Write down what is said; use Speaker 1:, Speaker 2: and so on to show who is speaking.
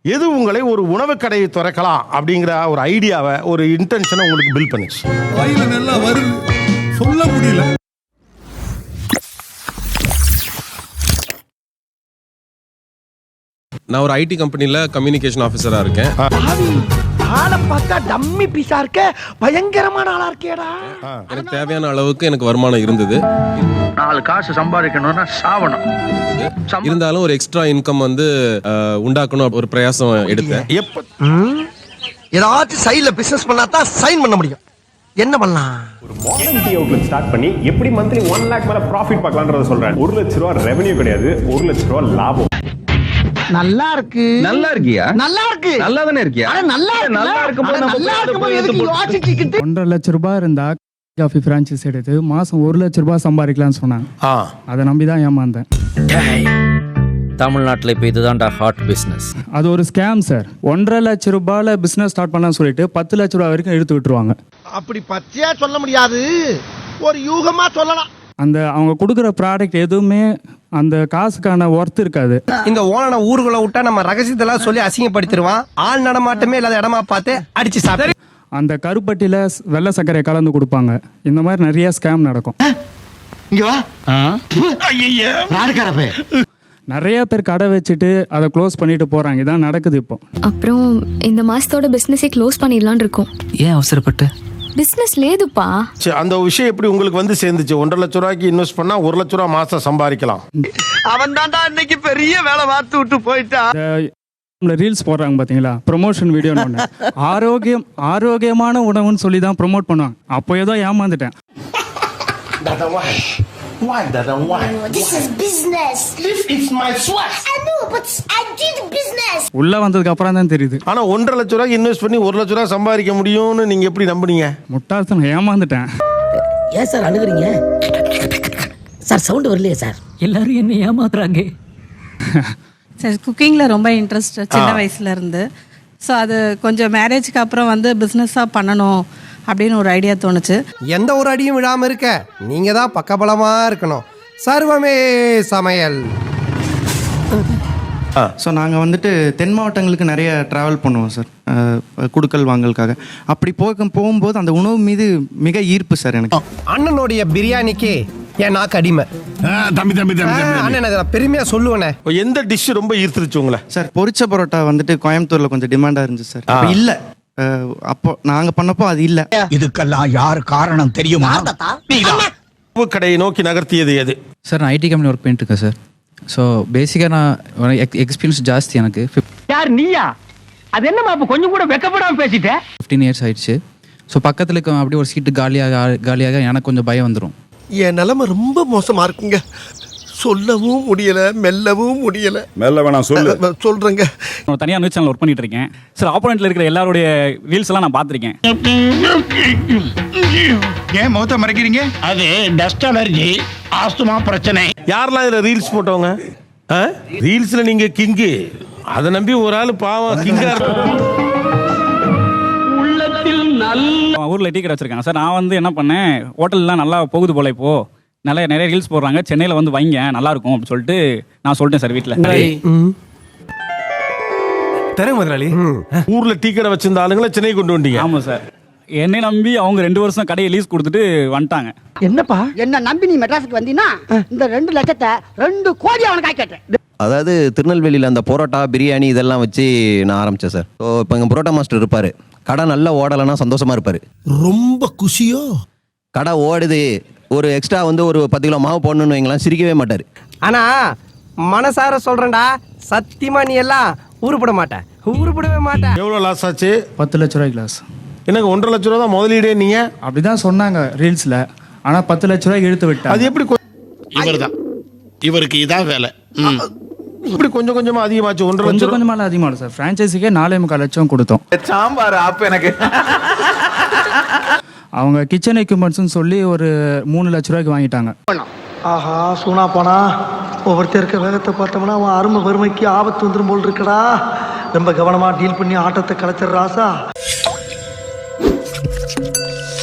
Speaker 1: எது உங்களை ஒரு உணவு கடையை திறக்கலாம் அப்படிங்கிற ஒரு ஐடியாவை, ஒரு இன்டென்ஷனை உங்களுக்கு பில்ட் பண்ணுச்சு?
Speaker 2: வாயில நல்லா வருது, சொல்ல முடியல.
Speaker 3: நான் ஒரு ஐடி கம்பெனில கம்யூனிகேஷன் ஆஃபீஸரா இருக்கேன்.
Speaker 4: ஆளை பார்த்தா டம்மி பீஸா இருக்க, பயங்கரமான ஆளா இருக்கேடா.
Speaker 3: எனக்கு தேவையான அளவுக்கு எனக்கு வருமானம் இருந்தது.
Speaker 5: 4 காசு சம்பாதிக்கணும்னா சாவணும்.
Speaker 3: இருந்தாலும் ஒரு எக்ஸ்ட்ரா இன்கம் வந்து உண்டாக்கணும் ஒரு பிரயாசம் எடுத்தேன்.
Speaker 4: ஏதாச்சும் சைடுல பிசினஸ் பண்ணா தான் சைன் பண்ண முடியும். என்ன பண்ணலாம்?
Speaker 6: ஒரு மாடர்ன் டீ அவுட்லெட் ஸ்டார்ட் பண்ணி எப்படி மந்த்லி 1 lakh மேல ப்ராஃபிட் பார்க்கலாம்ன்றத சொல்றேன். 1 லட்ச ரூபா ரெவென்யூ கிடையாது, 1 லட்ச ரூபா லாபம்.
Speaker 4: நல்லா இருக்கு.
Speaker 5: நல்லா இருக்கியா?
Speaker 4: நல்லா இருக்கு.
Speaker 5: நல்லா தானே இருக்கியா?
Speaker 4: நல்லா இருக்கும்போது எதுக்கு யோசிச்சுக்கிட்டு
Speaker 7: 1.5 லட்ச ரூபாய் இருந்தா காஃபி பிரான்ச்சைஸ் எடுத்து மாசம் 1 லட்ச ரூபாய் சம்பாதிக்கலாம்னு சொன்னாங்க. அதை நம்பி தான் ஏமாந்தேன்.
Speaker 8: தமிழ்நாட்டில் இப்போ இதுதான்டா ஹாட் பிஸ்னஸ்.
Speaker 7: அது ஒரு ஸ்கேம் சார். 1.5 லட்ச ரூபாயில பிசினஸ் ஸ்டார்ட் பண்ணலாம்னு சொல்லிட்டு 10 லட்ச ரூபாய் வரைக்கும் எடுத்து விட்டுருவாங்க.
Speaker 4: அப்படி பச்சையா சொல்ல முடியாது, ஒரு யூகமா சொல்லலாம்.
Speaker 7: அந்த அவங்க கொடுக்குற ப்ராடக்ட் எதுவுமே அந்த காசுக்கான ஒர்த் இருக்காது.
Speaker 4: இந்த ஓனனை ஊருக்குள்ள விட்டா நம்ம ரகசியத்தெல்லாம் சொல்லி அசிங்கப்படுத்திடுவான். ஆள் நடமாட்டமே இல்லாத இடமா பார்த்து அடிச்சு சாப்பிடு.
Speaker 7: அந்த கருப்பட்டியில வெள்ளை சர்க்கரை கலந்து கொடுப்பாங்க. இந்த மாதிரி நிறைய ஸ்கேம் நடக்கும். நிறைய பேர் கடை வச்சுட்டு அதை க்ளோஸ் பண்ணிட்டு போறாங்க. இதான் நடக்குது இப்போ.
Speaker 9: அப்புறம் இந்த மாசத்தோட பிசினஸை க்ளோஸ் பண்ணிடலாம்னு இருக்கோம்.
Speaker 8: ஏன் அவசரப்பட்டு?
Speaker 9: பிசினஸ் லேதுப்பா.
Speaker 1: அந்த விஷயம் எப்படி உங்களுக்கு வந்து சேர்ந்துச்சு? 1.5 லட்ச ரூபாய்க்கு இன்வெஸ்ட் பண்ணா 1 லட்ச ரூபாய் மாசம் சம்பாதிக்கலாம்.
Speaker 4: அவன் தான்டா இன்னைக்கு பெரிய வேலை பார்த்து விட்டு போயிட்டான்.
Speaker 7: ரீல்ஸ் போடுறாங்க பாத்தீங்களா, ப்ரொமோஷன் வீடியோன்னு ஒன்று. ஆரோக்கியமான உணவுன்னு சொல்லி தான் ப்ரொமோட் பண்ணுவாங்க. அப்போ ஏதோ ஏமாந்துட்டேன்.
Speaker 10: Why? This is business. It's my sweat. I know, but I did business.
Speaker 7: உள்ள வந்ததுக்கு அப்புறம் தான் தெரியுது.
Speaker 1: ஆனா 1.5 லட்ச ரூபாய்க்கு இன்வெஸ்ட் பண்ணி 1 லட்ச ரூபாய் சம்பாதிக்க முடியும்னு நீங்க எப்படி நம்புனீங்க?
Speaker 7: முட்டாள்தனம், ஏமாந்துட்டேன்.
Speaker 11: ஏன் சார் அழுகுறீங்க? சார் சவுண்ட் வரலையே சார். எல்லாரும் என்ன ஏமாத்துறாங்க.
Speaker 12: சார் குக்கிங்கில் ரொம்ப இன்ட்ரெஸ்ட் சின்ன வயசுல இருந்து. ஸோ அது கொஞ்சம் மேரேஜ்க்கு அப்புறம் வந்து பிஸ்னஸாக பண்ணணும் அப்படின்னு ஒரு ஐடியா தோணுச்சு.
Speaker 4: எந்த ஒரு அடியும் விடாம இருக்க நீங்க தான் பக்கபலமா இருக்கணும். சர்வமே சமையல்.
Speaker 13: ஸோ நாங்கள் வந்துட்டு தென் மாவட்டங்களுக்கு நிறைய ட்ராவல் பண்ணுவோம் சார், குடுக்கல் வாங்கலுக்காக. அப்படி போகும்போது அந்த உணவு மீது மிக ஈர்ப்பு சார் எனக்கு.
Speaker 4: அண்ணனுடைய பிரியாணிக்கு என் நாக்கு அடிமை. அண்ணன் பெருமையா சொல்லுவேனே.
Speaker 1: எந்த டிஷ் ரொம்ப ஈர்த்துருச்சு உங்களை?
Speaker 13: சார் பொரிச்ச பரோட்டா வந்துட்டு கோயம்புத்தூர்ல கொஞ்சம் டிமாண்டா இருந்துச்சு சார். அப்போ இல்லை, அப்போ நாங்க பண்ணப்போ அது இல்லை.
Speaker 2: இதுக்கெல்லாம் யார் காரணம் தெரியுமா?
Speaker 1: உணவு கடையை நோக்கி நகர்த்தியது எது?
Speaker 8: சார் நான் ஐடி கம்பெனி ஒர்க் பண்ணிட்டு இருக்கேன் சார். ஸோ பேசிக்காக நான் எக்ஸ்பீரியன்ஸ் ஜாஸ்தி எனக்கு.
Speaker 11: யார் நீயா? அது என்னமா அப்ப கொஞ்சம் கூட வெக்கப்படாம பேசிட்ட?
Speaker 8: 15 years ஆயிடுச்சு. ஸோ பக்கத்தில் அப்படியே ஒரு சீட்டு காலியாக எனக்கு கொஞ்சம் பயம் வந்துடும்.
Speaker 4: என் நிலைமை ரொம்ப மோசமா இருக்குங்க. சொல்லவும் முடியல, மெல்லவும் முடியல.
Speaker 2: மெல்ல வேணாம்,
Speaker 4: சொல்றேங்க.
Speaker 7: நான் தனியாக நியூஸ் சேனல் ஒர்க் பண்ணிட்டு இருக்கேன் சார். ஆப்போனன்ட்ல இருக்கிற எல்லாருடைய ரீல்ஸ் எல்லாம் நான் பார்த்துருக்கேன்.
Speaker 2: ஏன் முகத்தை மறைக்கிறீங்க?
Speaker 5: அது டஸ்ட் அலர்ஜி, ஆஸ்துமா பிரச்சனை.
Speaker 1: யாரெல்லாம் இதுல ரீல்ஸ் போட்டவங்க? ரீல்ஸ்ல நீங்க கிங்கு, அதை நம்பி ஒரு ஆள் பாவம் கிங்கா
Speaker 7: உள்ளத்தில் நல்ல ஊர்ல டீ கடை வச்சிருக்காங்க சார். நான் வந்து என்ன பண்ணேன், ஹோட்டல்லாம் நல்லா போகுது போல இப்போ, நிறைய ரீல்ஸ் போடுறாங்க, சென்னையில் வந்து வைங்க நல்லா இருக்கும் அப்படின்னு சொல்லிட்டு நான் சொல்லிட்டேன் சார் வீட்டில்.
Speaker 4: தரேன் முதலாளி.
Speaker 1: ஊர்ல டீ கடை வச்சிருந்த ஆளுங்களை சென்னை கொண்டு வந்தீங்க?
Speaker 7: ஆமாம் சார். என்னை நம்பி அவங்க 2 வருஷம் கடையை லீஸ் கொடுத்துட்டு வந்துட்டாங்க.
Speaker 11: என்னப்பா என்ன நம்பி நீ மெட்ராஸுக்கு வந்தீங்கன்னா இந்த 2 லட்சத்தை 2 கோடி அவனுக்கு ஆக்கிட்டேன்.
Speaker 5: அதாவது திருநெல்வேலியில் அந்த பரோட்டா பிரியாணி இதெல்லாம் வச்சு நான் ஆரம்பித்தேன் சார். ஸோ இப்போ எங்கள் பரோட்டா மாஸ்டர் இருப்பார். கடை நல்லா ஓடலைன்னா சந்தோஷமாக இருப்பார்.
Speaker 2: ரொம்ப குஷியோ?
Speaker 5: கடை ஓடுது, ஒரு எக்ஸ்ட்ரா வந்து ஒரு 10 கிலோ மாவு போடணும்னு வைங்களாம், சிரிக்கவே மாட்டார்.
Speaker 4: ஆனா மனசார சொல்றேன்டா, சத்தியமா நீ எல்லாம் உருப்படவே மாட்டேன்.
Speaker 1: எவ்வளவு லாஸ் ஆச்சு?
Speaker 7: 10 லட்ச ரூபாய்க்கு லாஸ்.
Speaker 1: எனக்கு 1.5 லட்ச ரூபா தான் முதலீடே. நீங்க
Speaker 7: அப்படிதான் சொன்னாங்க ரீல்ஸ்ல. ஆனா 10 லட்ச ரூபாய்க்கு எடுத்து விட்டா. அது எப்படி?
Speaker 5: இவருக்கு இதான் வேலை.
Speaker 1: இப்படி கொஞ்சம் கொஞ்சமா அதிகமாச்சு. 1.5 லட்சம்
Speaker 7: கொஞ்சமால அதிகமாகும் சார். பிரான்ச்சைஸிக்கே 4.25 லட்சம் கொடுத்தோம்.
Speaker 5: சாம்பார் ஆப் எனக்கு.
Speaker 7: அவங்க கிச்சன் எக்யூப்மெண்ட்ஸ்னு சொல்லி ஒரு 3 லட்ச ரூபாய்க்கு வாங்கிட்டாங்க.
Speaker 4: ஆஹா சூனா போனா ஒவ்வொருத்தர் இருக்க வேகத்தை பார்த்தோம்னா அவன் அருமை வறுமைக்கு ஆபத்து வந்துடும் போல் இருக்கடா. ரொம்ப கவனமா டீல் பண்ணி ஆட்டத்தை கலைச்சிடுறாசா.